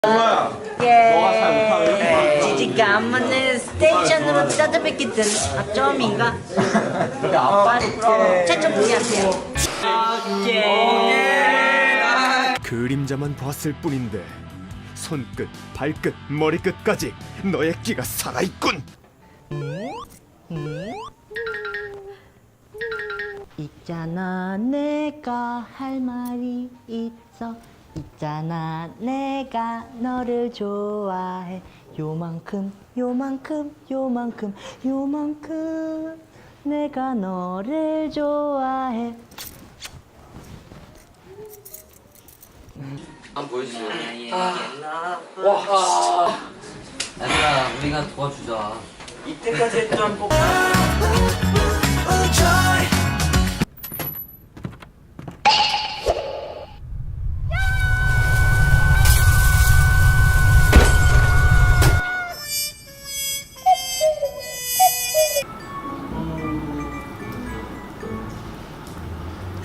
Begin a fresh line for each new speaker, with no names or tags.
예. 지지가 안 맞는 스테이션으로 찾아뵙겠든 아점인가? 아빠 최초 분이한테요.
그림자만 봤을 뿐인데 손끝, 발끝, 머리끝까지 너의 끼가 살아있군.
있잖아 내가 할 말이 있어. 있잖아 내가 너를 좋아해. 요만큼 요만큼 요만큼 요만큼 내가 너를 좋아해.
한번 보여주세요. 와. 얘들아, 우리가 도와주자.
이때까지 했던 꼭